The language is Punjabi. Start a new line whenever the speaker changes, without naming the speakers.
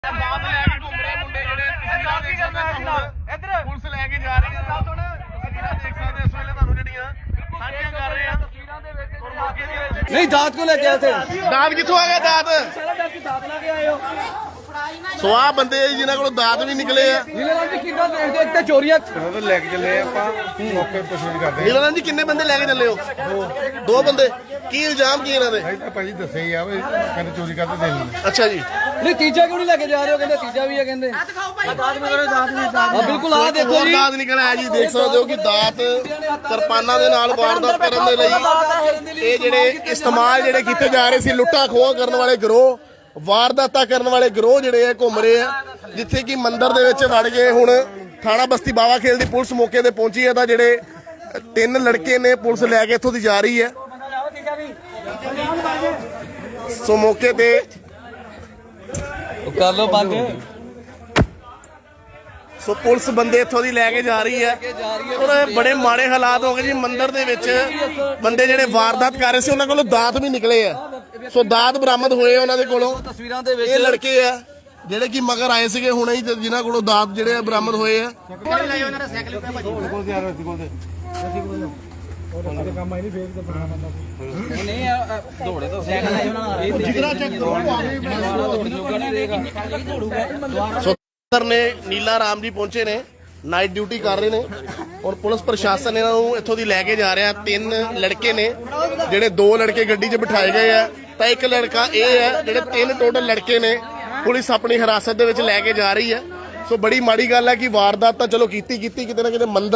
ਪੁਲਿਸ ਲੈ ਕੇ ਜਾ ਰਹੀ ਹੈ ਦੇਖ ਸਕਦੇ ਇਸ ਵੇਲੇ ਤੁਹਾਨੂੰ ਜਿਹੜੀਆਂ ਸਾਂਝੀਆਂ ਕਰ ਰਹੇ ਆ
नहीं दांत को लेके आए थे
ਦਾਤ ਕਿੱਥੋਂ ਆ ਗਿਆ ਦਾਤ
दांत ला के आए हो
ਸਵਾਹ ਬੰਦੇ ਆ ਜੀ ਜਿਨ੍ਹਾਂ ਕੋਲੋਂ ਦਾਤ ਵੀ ਨਿਕਲੇ ਆ
नीला जी कितना देखते एक तो चोरियां
ਲੈ ਕੇ ਚੱਲੇ ਆਪਾਂ ਮੌਕੇ ਪੁੱਛਗਿੱਛ ਕਰਦੇ
ਨੀਲਾਨੰਦ ਜੀ ਕਿੰਨੇ ਬੰਦੇ ਲੈ ਕੇ ਚੱਲੇ ਹੋ ਦੋ ਬੰਦੇ ਕੀ ਇਲਜ਼ਾਮ ਕੀ ਇਹਨਾਂ ਦੇ
ਆ ਤਾਂ ਭਾਜੀ ਦੱਸਿਆ ਹੀ ਆ ਵੀ ਕਹਿੰਦੇ ਚੋਰੀ ਕਰਦੇ ਦੇ ਲੈਂਦੇ
ਅੱਛਾ ਜੀ
नहीं तीजा क्यों नहीं लेके जा रहे हो कहते तीजा भी है कहते बिल्कुल आ देखो
ਹੋਰ
जी
ਦਾਤ ਨਿਕਲ ਆਇਆ ਜੀ ਦੇਖ ਸਕਦੇ ਹੋ ਕਿ ਦਾਤ ਕਿਰਪਾਨਾਂ ਦੇ ਨਾਲ ਵਾਰਦਾਤ ਕਰਨ ਦੇ ਲਈ ਇਹ ਜਿਹੜੇ ਇਸਤੇਮਾਲ ਜਿਹੜੇ ਕੀਤੇ ਜਾ ਰਹੇ ਸੀ ਲੁੱਟਾਂ ਖੋਹ ਕਰਨ ਵਾਲੇ ਗਿਰੋਹ ਵਾਰਦਾਤਾਂ ਕਰਨ ਵਾਲੇ ਗਿਰੋਹ ਜਿਹੜੇ ਆ ਘੁੰਮ ਰਹੇ ਆ ਜਿੱਥੇ ਕਿ ਮੰਦਿਰ ਦੇ ਵਿੱਚ ਵੜ ਗਏ ਹੁਣ ਥਾਣਾ ਬਸਤੀ ਬਾਵਾ ਖੇਲ ਦੀ ਪੁਲਿਸ ਮੌਕੇ ਤੇ ਪਹੁੰਚੀ ਹੈ ਤਾਂ ਜਿਹੜੇ 3 ਲੜਕੇ ਨੇ ਪੁਲਿਸ ਲੈ ਕੇ ਇੱਥੋਂ ਦੀ ਜਾ ਰਹੀ ਹੈ ਸੋ ਮੌਕੇ ਤੇ
कर लो बंद
ਸੋ ਪੁਲਿਸ ਬੰਦੇ ਇੱਥੋਂ ਦੀ ਲੈ ਕੇ ਜਾ ਰਹੀ ਹੈ ਔਰ ਬੜੇ ਮਾੜੇ ਹਾਲਾਤ ਹੋ ਗਏ ਜੀ ਮੰਦਿਰ ਦੇ ਵਿੱਚ ਬੰਦੇ ਜਿਹੜੇ ਵਾਰਦਾਤ ਕਰ ਰਹੇ ਸੀ ਉਹਨਾਂ ਕੋਲੋਂ ਦਾਤ ਵੀ ਨਿਕਲੇ ਆ ਸੋ ਦਾਤ ਬਰਾਮਦ ਹੋਏ ਉਹਨਾਂ ਦੇ ਕੋਲੋਂ
तस्वीरां दे
ਇਹ ਲੜਕੇ ਆ ਜਿਹੜੇ ਕਿ ਮਗਰ ਆਏ ਸੀਗੇ ਹੁਣੇ ਹੀ ਜਿਨ੍ਹਾਂ ਕੋਲੋਂ ਦਾਤ ਜਿਹੜੇ ਆ ਬਰਾਮਦ ਹੋਏ ਆ
नहीं दौड़े तो साइकिल है
ਸੋ ਸਰ ਨੇ ਨੀਲਾ ਰਾਮ ਜੀ ਪਹੁੰਚੇ ਨੇ ਨਾਈਟ ਡਿਊਟੀ ਕਰ ਰਹੇ ਨੇ ਔਰ ਪੁਲਿਸ ਪ੍ਰਸ਼ਾਸਨ ਇਹਨਾਂ ਨੂੰ ਇੱਥੋਂ ਦੀ ਲੈ ਕੇ ਜਾ ਰਿਹਾ 3 ਲੜਕੇ ਨੇ ਜਿਹੜੇ 2 ਲੜਕੇ ਗੱਡੀ 'ਚ ਬਿਠਾਏ ਗਏ ਆ ਤਾਂ ਇੱਕ ਲੜਕਾ ਇਹ ਹੈ ਜਿਹੜੇ 3 ਟੋਟਲ ਲੜਕੇ ਨੇ ਪੁਲਿਸ ਆਪਣੀ ਹਿਰਾਸਤ ਦੇ ਵਿੱਚ ਲੈ ਕੇ ਜਾ ਰਹੀ ਹੈ ਸੋ ਬੜੀ ਮਾੜੀ ਗੱਲ ਹੈ ਕਿ ਵਾਰਦਾਤ ਤਾਂ ਚਲੋ ਕੀਤੀ ਕਿਤੇ ਨਾ ਕਿਤੇ ਮੰਦਰ